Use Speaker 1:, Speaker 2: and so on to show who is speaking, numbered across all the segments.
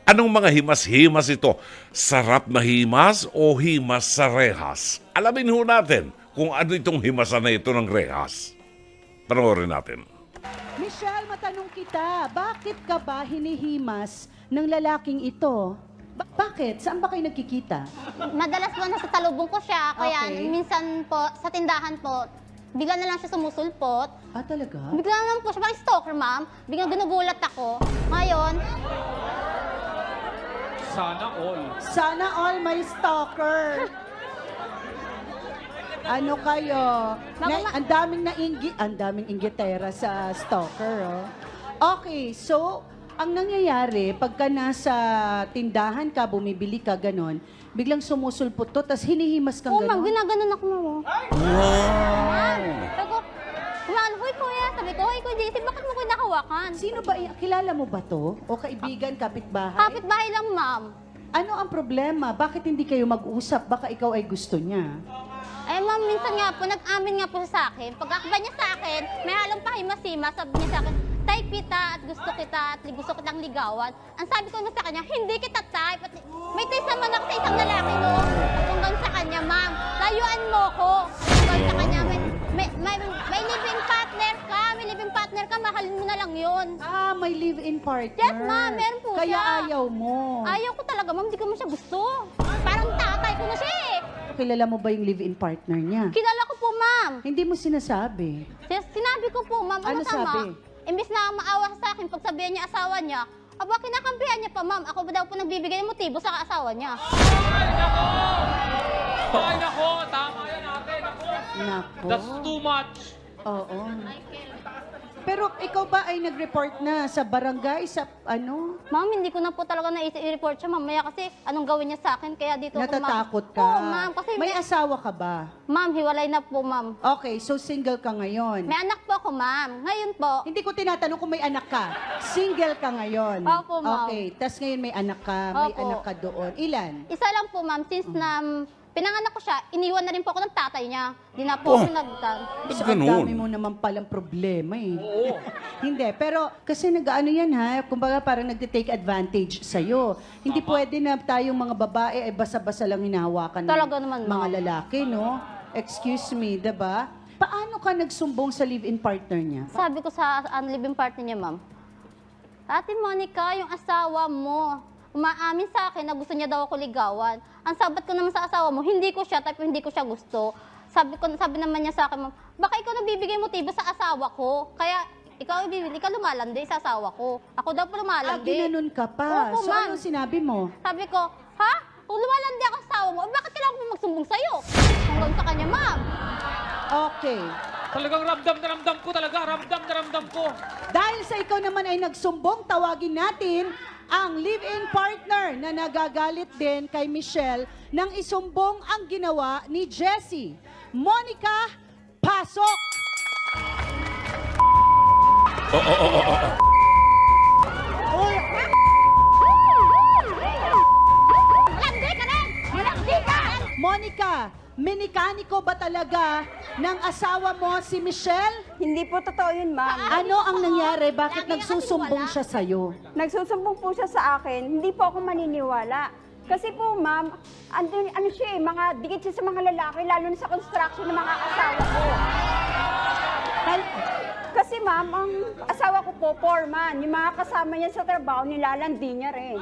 Speaker 1: Anong mga himas-himas ito? Sarap na himas o himas sa rehas? Alamin ho natin kung ano itong himasan na ito ng rehas. Panoorin natin.
Speaker 2: Michelle, matanong kita, bakit ka ba hinihimas ng lalaking ito? Bakit? Saan ba kayo nagkikita?
Speaker 3: Madalas po nasa salubong ko siya, kaya
Speaker 2: Okay.
Speaker 3: minsan po sa tindahan po, bigla na lang siya sumusulpot.
Speaker 2: Ah, talaga?
Speaker 3: Bigla na lang po siya, parang stalker, ma'am. Biglang ginugulat ako. Ngayon,
Speaker 4: Sana all.
Speaker 2: Sana all may stalker. Ano kayo? Ang daming inggitera sa stalker, oh. Okay, so, ang nangyayari, pagka nasa tindahan ka, bumibili ka, ganon, biglang sumusulpot to, tas hinihimas kang
Speaker 3: oh, ma'am,
Speaker 2: ganon.
Speaker 3: ginaganon ako, ma'am.
Speaker 1: Wow!
Speaker 3: Sabi ko, ma'am, huy, kuya. Sabi ko, huy, kuya JC, bakit mo ko nakawakan?
Speaker 2: Sino ba, kilala mo ba to? O kaibigan, kapitbahay?
Speaker 3: Kapit-bahay lang, ma'am.
Speaker 2: Ano ang problema? Bakit hindi kayo mag-usap? Baka ikaw ay gusto niya.
Speaker 3: Eh, ma'am, minsan nga po, nag-amin nga po siya sa akin. Pag-akba niya sa akin, may halong pahimasima, sabi niya sa akin, type kita at gusto kitang ligawan. Ang sabi ko na sa kanya, hindi kita type. At may taste naman ako sa isang lalaki, no? Hanggang sa kanya, ma'am, layuan mo ko. Hanggang sa kanya, may living partner ka, mahalin mo na lang yun.
Speaker 2: Ah, may live-in partner.
Speaker 3: Yes, ma'am, meron po
Speaker 2: Kaya
Speaker 3: siya.
Speaker 2: ayaw mo.
Speaker 3: Ayaw ko talaga, ma'am, di ko mo siya gusto. Parang tatay ko na siya eh.
Speaker 2: Kilala mo ba yung live-in partner niya?
Speaker 3: Kilala ko po, ma'am.
Speaker 2: Hindi mo sinasabi.
Speaker 3: Sinabi ko po, ma'am,
Speaker 2: Ano sabi?
Speaker 3: Imbis na maawa sa akin, pag sabihan niya asawa niya, aba, kinakampihan niya pa, ma'am. Ako ba daw po nagbibigay ng motibo sa asawa niya?
Speaker 4: Ay, nako, tama yan ate, nako.
Speaker 2: Nako.
Speaker 4: That's too much.
Speaker 2: Oo. Pero ikaw ba ay nag-report na sa barangay, sa ano?
Speaker 3: Ma'am, hindi ko na po talaga i-report siya, mamaya kasi anong gawin niya sa akin, kaya dito
Speaker 2: Natatakot ka?
Speaker 3: Oo, ma'am, kasi
Speaker 2: May asawa ka ba?
Speaker 3: Ma'am, hiwalay na po, ma'am.
Speaker 2: Okay, so single ka ngayon.
Speaker 3: May anak po ako, ma'am. Ngayon po,
Speaker 2: Hindi ko tinatanong kung may anak ka. Single ka ngayon.
Speaker 3: Opo, ma'am.
Speaker 2: Okay, tas ngayon may anak ka. May
Speaker 3: Opo.
Speaker 2: anak ka doon. Ilan?
Speaker 3: isa lang po, ma'am, since na pinanganak ko siya, iniwan na rin po ako ng tatay niya. Di na po ako nagtan.
Speaker 1: Ba't
Speaker 2: So, ang
Speaker 1: ganun?
Speaker 2: dami mo naman palang problema eh.
Speaker 4: Oo.
Speaker 2: Hindi, pero kasi nag-ano yan ha, kumbaga parang nag-take advantage sa'yo. Hindi pwede na tayong mga babae ay basa-basa lang hinahawakan ng
Speaker 3: Talaga naman,
Speaker 2: mga
Speaker 3: ma'am.
Speaker 2: lalaki, no? Excuse me, diba? Paano ka nagsumbong sa live-in partner niya?
Speaker 3: Sabi ko sa living partner niya, ma'am, Ate Monica, yung asawa mo, umaamin sa akin na gusto niya daw ako ligawan. Ang sabat ko naman sa asawa mo, hindi ko siya, type hindi ko siya gusto. Sabi naman niya sa akin, ma'am, baka ikaw nagbibigay motibo sa asawa ko. Kaya ikaw lumalandi sa asawa ko. Ako daw po
Speaker 2: Ah,
Speaker 3: lumalandi.
Speaker 2: ginanon ka pa.
Speaker 3: Opo,
Speaker 2: So,
Speaker 3: ma'am.
Speaker 2: anong sinabi mo?
Speaker 3: Sabi ko, ha? Kung lumalandi ako sa asawa mo, bakit kailangan mo magsumbong sa'yo? Hanggang sa kanya, ma'am.
Speaker 2: Okay.
Speaker 4: Talagang ramdam na ramdam ko talaga, ramdam na ramdam ko.
Speaker 2: Dahil sa ikaw naman ay nagsumbong, tawagin natin ang live-in partner na nagagalit din kay Michelle nang isumbong ang ginawa ni Jessie. Monica, pasok!
Speaker 3: Malandi ka rin! Malandi ka!
Speaker 2: Monica, minikaniko ba talaga ng asawa mo si Michelle?
Speaker 5: Hindi po totoo yun, ma'am.
Speaker 2: Ano ang nangyari? Bakit
Speaker 3: Lagi
Speaker 2: nagsusumbong
Speaker 3: nakatiwala.
Speaker 2: siya sa'yo?
Speaker 5: Nagsusumbong po siya sa akin, hindi po ako maniniwala. Kasi po, ma'am, ano siya eh, mga dikit siya sa mga lalaki, lalo na sa construction ng mga asawa ko. Kasi ma'am, ang asawa ko po, foreman. Yung mga kasama niya sa trabaho, nilalandi niya rin.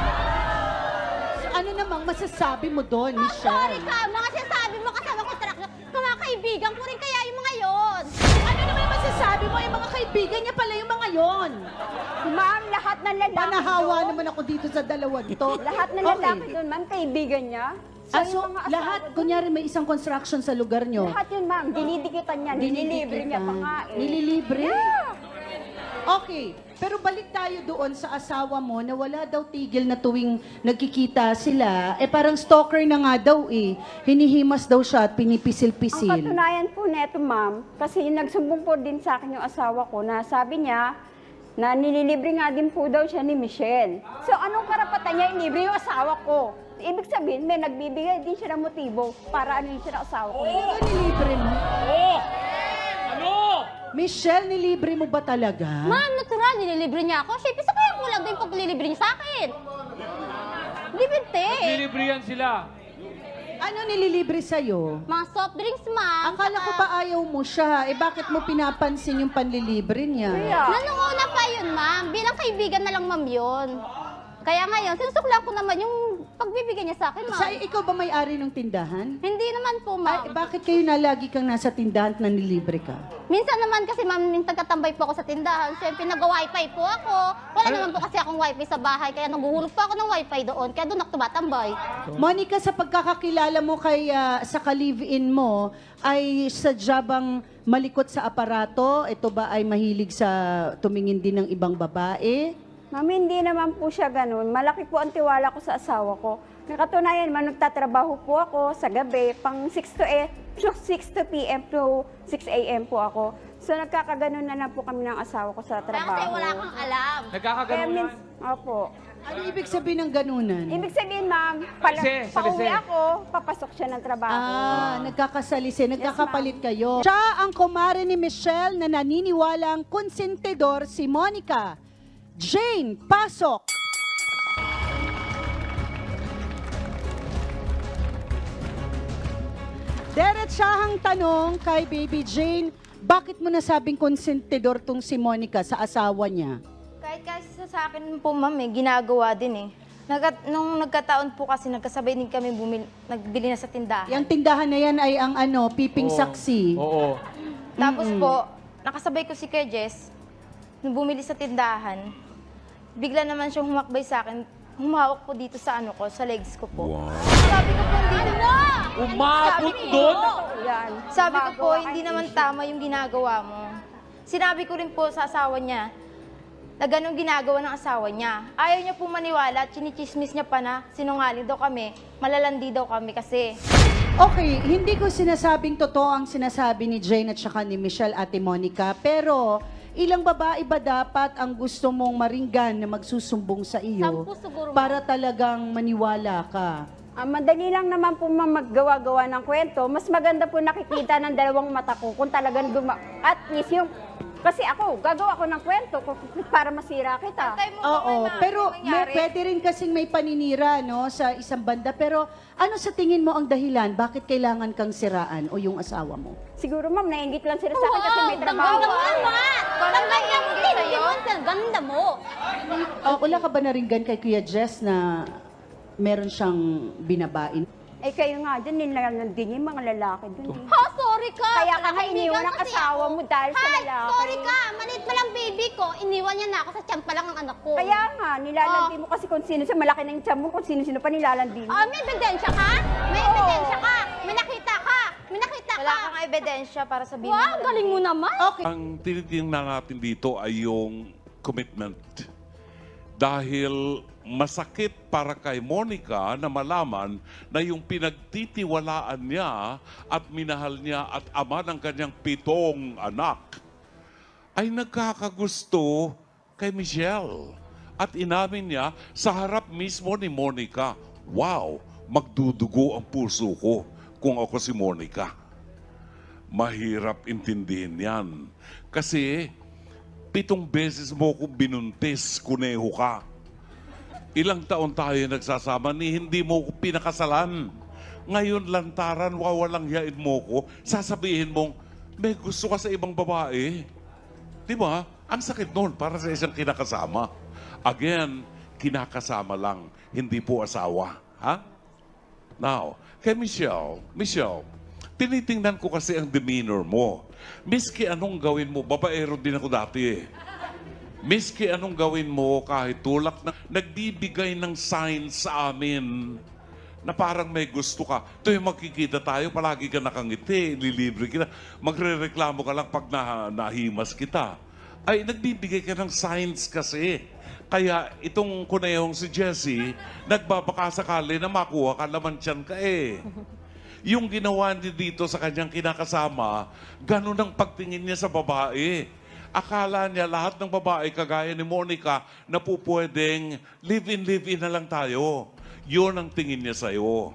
Speaker 2: Ano namang masasabi mo doon,
Speaker 3: Sorry
Speaker 2: Michelle?
Speaker 3: ka, mga sinasabi mo kasama ko track. Mga kaibigan ko rin kaya yung mga yon.
Speaker 2: Ano naman yung masasabi mo? Yung mga kaibigan niya pala yung mga yon.
Speaker 5: Ma'am, lahat ng lalaki
Speaker 2: Panahawa
Speaker 5: doon,
Speaker 2: naman ako dito sa dalawa to.
Speaker 5: lahat ng lalaki doon, ma'am, kaibigan niya.
Speaker 2: Ah,
Speaker 5: yung
Speaker 2: so,
Speaker 5: mga asawa
Speaker 2: lahat,
Speaker 5: doon,
Speaker 2: kunyari may isang construction sa lugar nyo.
Speaker 5: lahat yun, ma'am, dinidikitan niya, nililibre niya pa nga eh.
Speaker 2: Nililibre?
Speaker 5: Yeah.
Speaker 2: Okay, pero balik tayo doon sa asawa mo na wala daw tigil na tuwing nagkikita sila. Eh parang stalker na nga daw eh. Hinihimas daw siya at
Speaker 5: Ang
Speaker 2: pinipisil-pisil.
Speaker 5: katunayan po neto, ma'am, kasi nagsumbong po din sa akin yung asawa ko na sabi niya na nililibre nga din po daw siya ni Michelle. So, anong karapatan niya ilibre yung asawa ko? Ibig sabihin, may nagbibigay din siya ng motibo para ano siya ng asawa ko.
Speaker 2: Ano nilibre mo?
Speaker 4: Oh! Ano?
Speaker 2: Michelle, nilibre mo ba talaga?
Speaker 3: Ma'am, natural, nililibre niya ako. Siyempre, sa kaya kulang din pag nililibre niya sa akin.
Speaker 4: Nililibre yan sila.
Speaker 2: Ano nililibre sa'yo?
Speaker 3: Mga soft drinks, ma'am.
Speaker 2: Akala ko ba ayaw mo siya? Bakit mo pinapansin yung panlilibre niya?
Speaker 3: Nung una pa yun, ma'am. Bilang kaibigan na lang, ma'am, yun. Kaya ngayon, sinusuklan ko naman yung pagbibigay niya sa akin, ma'am.
Speaker 2: Ikaw ba may-ari ng tindahan?
Speaker 3: Hindi naman po, ma'am.
Speaker 2: Bakit kayo na lagi kang nasa tindahan at nanlilibre ka?
Speaker 3: Minsan naman kasi, ma'am, minsan katambay po ako sa tindahan. Siyempre, nag-wifi po ako. Wala naman po kasi akong wifi sa bahay. Kaya naguhulog po ako ng wifi doon. Kaya doon ako tumatambay.
Speaker 2: Monica, sa pagkakakilala mo kay sa ka-live-in mo, ay sadya bang malikot sa aparato? Ito ba ay mahilig sa tumingin din ng ibang babae?
Speaker 5: Ma'am, hindi naman po siya ganun. Malaki po ang tiwala ko sa asawa ko. Nakatunayan man, nagtatrabaho po ako sa gabi, pang 6 to p.m. to 6 a.m. po ako. So nagkakaganon na lang po kami ng asawa ko sa
Speaker 3: Kaya
Speaker 5: trabaho.
Speaker 3: kasi wala kang alam.
Speaker 5: Kaya
Speaker 4: Nagkakaganon yan.
Speaker 5: Opo.
Speaker 2: Ano ibig sabihin ng ganunan?
Speaker 5: Ibig sabihin, ma'am,
Speaker 4: Salise,
Speaker 5: pauwi
Speaker 4: salise.
Speaker 5: ako, papasok siya ng trabaho.
Speaker 2: Nagkakasalisi, nagkakapalit kayo. Siya ang kumare ni Michelle na naniniwalang konsentidor si Monica. Jane, pasok! Diretsahang tanong kay Baby Jane, bakit mo nasabing konsentidor tong si Monica sa asawa niya?
Speaker 6: Kahit kasi sa akin po, ma'am, ginagawa din eh. Nung nagkataon po kasi, nagkasabay din kami nagbili na sa tindahan.
Speaker 2: Yung tindahan na yan ay ang piping saksi.
Speaker 4: Oo.
Speaker 6: Tapos po, nakasabay ko si Kuya Jess, nung bumili sa tindahan, bigla naman siyang humakbay sa akin, humawak po dito sa sa legs ko po. Sabi ko po, hindi naman.
Speaker 4: Umabot doon?
Speaker 5: Yan.
Speaker 6: Sabi ko po,
Speaker 5: Gumagawa
Speaker 6: hindi
Speaker 5: kayo.
Speaker 6: naman tama yung ginagawa mo. Sinabi ko rin po sa asawa niya, na ganun ginagawa ng asawa niya. Ayaw niya po maniwala at chinichismis niya pa na sinungaling daw kami, malalandi daw kami kasi.
Speaker 2: Okay, hindi ko sinasabing totoo ang sinasabi ni Jane at saka ni Michelle, Ate Monica, pero ilang babae ba dapat ang gusto mong maringgan na magsusumbong sa iyo
Speaker 3: 10 siguro,
Speaker 2: para talagang maniwala ka?
Speaker 5: Madali lang naman po maggawa-gawa ng kwento. Mas maganda po nakikita ng dalawang mata ko kung talagang at least yung, kasi ako, gagawa ko ng kwento para masira kita.
Speaker 6: Antay mo ba
Speaker 2: Oo,
Speaker 6: may
Speaker 2: pero
Speaker 6: mangyari?
Speaker 2: pwede rin kasing may paninira no, sa isang banda. Pero ano sa tingin mo ang dahilan? Bakit kailangan kang siraan o yung asawa mo?
Speaker 5: Siguro ma'am, nainggit lang sila sa akin kasi may trabaho.
Speaker 3: Ganda mo naman! Ganda mo sa'yo? Ganda mo!
Speaker 2: Wala ka ba naringgan kay Kuya Jess na meron siyang binabain?
Speaker 5: Eh kayo nga dyan, nilalandin yung mga lalaki dun. Eh.
Speaker 3: Ha, sorry ka!
Speaker 5: Kaya ka nga iniwan ng
Speaker 3: Kasi
Speaker 5: asawa
Speaker 3: ako.
Speaker 5: mo dahil sa
Speaker 3: Hay,
Speaker 5: lalaki.
Speaker 3: sorry ka! Maliit pa lang baby ko. Iniwan niya na ako sa tiyan pa lang ang anak ko.
Speaker 5: Kaya nga, nilalandi mo kasi kung sino sa malaki ng tiyan mo, kung sino-sino pa nilalandi mo.
Speaker 3: May ebidensya ka? May ebidensya ka? May nakita ka? May nakita
Speaker 6: Wala
Speaker 3: ka?
Speaker 6: kang ebidensya para sabihin
Speaker 3: Wow, galing mo naman!
Speaker 2: Okay.
Speaker 1: Ang tinitingnan natin dito ay yung commitment. Dahil masakit para kay Monica na malaman na yung pinagtitiwalaan niya at minahal niya at ama ng kanyang 7 anak ay nagkakagusto kay Michelle. At inamin niya sa harap mismo ni Monica, wow, magdudugo ang puso ko kung ako si Monica. Mahirap intindihin yan. Kasi 7 beses mo ko binuntis, kuneho ka. Ilang taon tayo nagsasama ni hindi mo ko pinakasalan. Ngayon lantaran, wawalang yain mo ko, sasabihin mong, may gusto ka sa ibang babae. Di ba? Ang sakit nun para sa isang kinakasama. Again, kinakasama lang, hindi po asawa. Ha? Now, kay Michelle, tinitingnan ko kasi ang demeanor mo. Miski anong gawin mo, babaero din ako dati eh. Miski anong gawin mo, kahit tulak na, nagbibigay ng signs sa amin na parang may gusto ka. Tuwing magkikita tayo, palagi ka nakangiti, lilibre kita. Magre-reklamo ka lang pag nahimas kita. Ay, nagbibigay ka ng signs kasi. Kaya itong kunehong si Jessie, nagbabaka sakali na makuha ka, laman tiyan ka eh. Yung ginawa niya dito sa kanyang kinakasama, ganun ang pagtingin niya sa babae. Akala niya lahat ng babae kagaya ni Monica na po pwedeng live-in na lang tayo. Yun ang tingin niya sa'yo.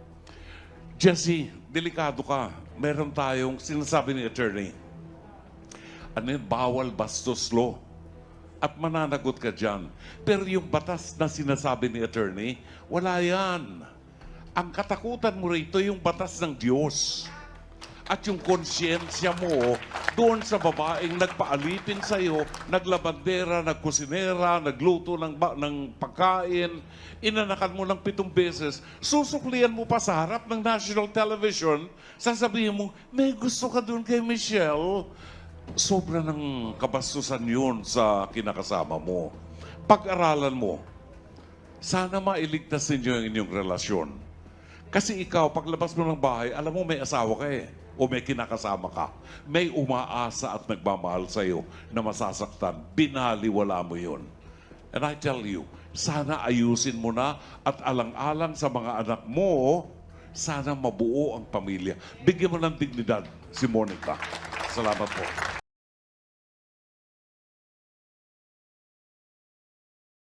Speaker 1: Jessie, delikado ka. Meron tayong sinasabi ni attorney. Ano yun? Bawal bastos law. At mananagot ka dyan. Pero yung batas na sinasabi ni attorney, wala yan. Ang katakutan mo rito yung batas ng Diyos. At yung konsyensya mo doon sa babaeng nagpaalipin sa'yo, naglabandera, nagkusinera, nagluto ng pagkain, inanakan mo ng 7 beses, susuklian mo pa sa harap ng national television, sasabihin mo, may gusto ka doon kay Michelle. Sobra ng kabastusan yun sa kinakasama mo. Pag-aralan mo, sana mailigtas ninyo ang inyong relasyon. Kasi ikaw, paglabas mo ng bahay, alam mo may asawa ka eh. O may kinakasama ka. May umaasa at nagmamahal sa'yo na masasaktan. Binaliwala mo yun. And I tell you, sana ayusin mo na at alang-alang sa mga anak mo, sana mabuo ang pamilya. Bigyan mo ng dignidad si Monica. Salamat po.